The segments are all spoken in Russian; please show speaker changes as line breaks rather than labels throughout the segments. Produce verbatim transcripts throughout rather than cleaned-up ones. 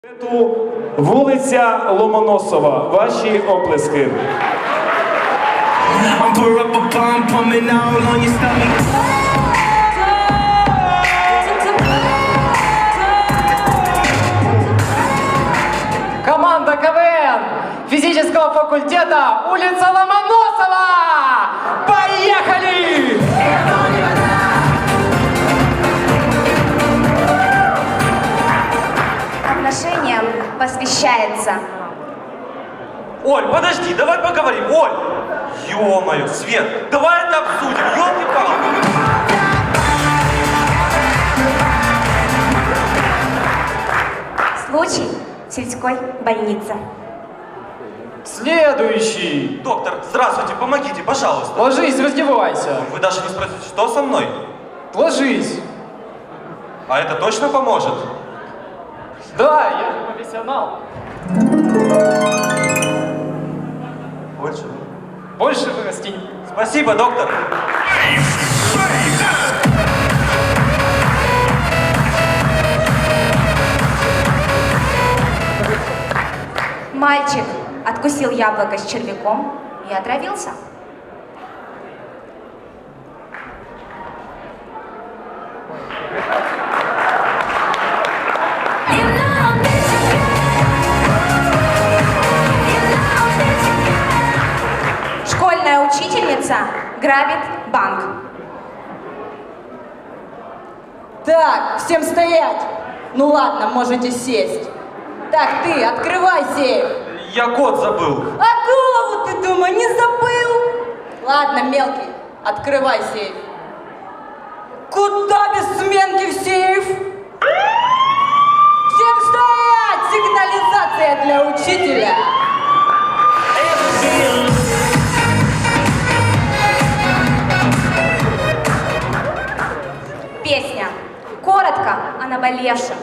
Вулиця Ломоносова. Ваші оплески.
Команда КВН физического факультета, улица Ломоносова! Поехали!
Отношениям посвящается.
Оль, подожди, давай поговорим. Оль! Ё-моё, Свет, давай это обсудим, ёлки-палки.
Случай в сельской больнице.
Следующий.
Доктор, здравствуйте, помогите, пожалуйста.
Ложись, раздевайся.
Вы даже не спросите, что со мной?
Ложись.
А это точно поможет?
Да, я же профессионал.
Больше?
Больше вырасти.
Спасибо, доктор.
Мальчик откусил яблоко с червяком и отравился. Школьная учительница грабит банк.
Так, всем стоять! Ну ладно, можете сесть. Так, ты, открывай сейф.
Я код забыл.
А голову ты, думаю, не забыл? Ладно, мелкий, открывай сейф. Куда без сменки в сейф? Всем стоять! Сигнализация для учителя.
Песня. Коротко о наболевшем.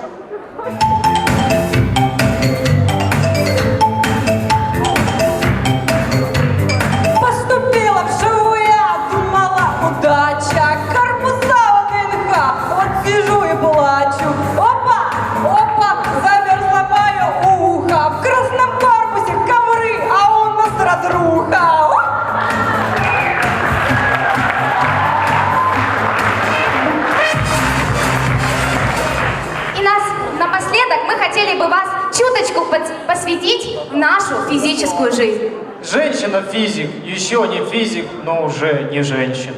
Поступила в ШВУ, я думала, удача. Корпуса в ВНХ, вот сижу и плачу. Опа, опа, замерзло мое ухо. В красном корпусе ковры, а у нас разруха.
И нас напоследок мы хотели бы вас чуточку под- посвятить в нашу физическую жизнь.
Женщина-физик, еще не физик, но уже не женщина.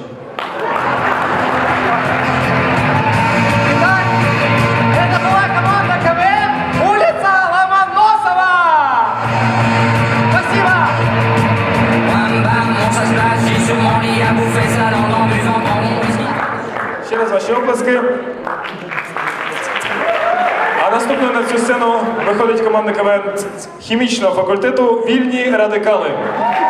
Итак, это была команда КВН улица Ломоносова! Спасибо!
Ще раз ваші оплески. А наступною на цю сцену виходить команда КВН хімічного факультету «Вільні радикали».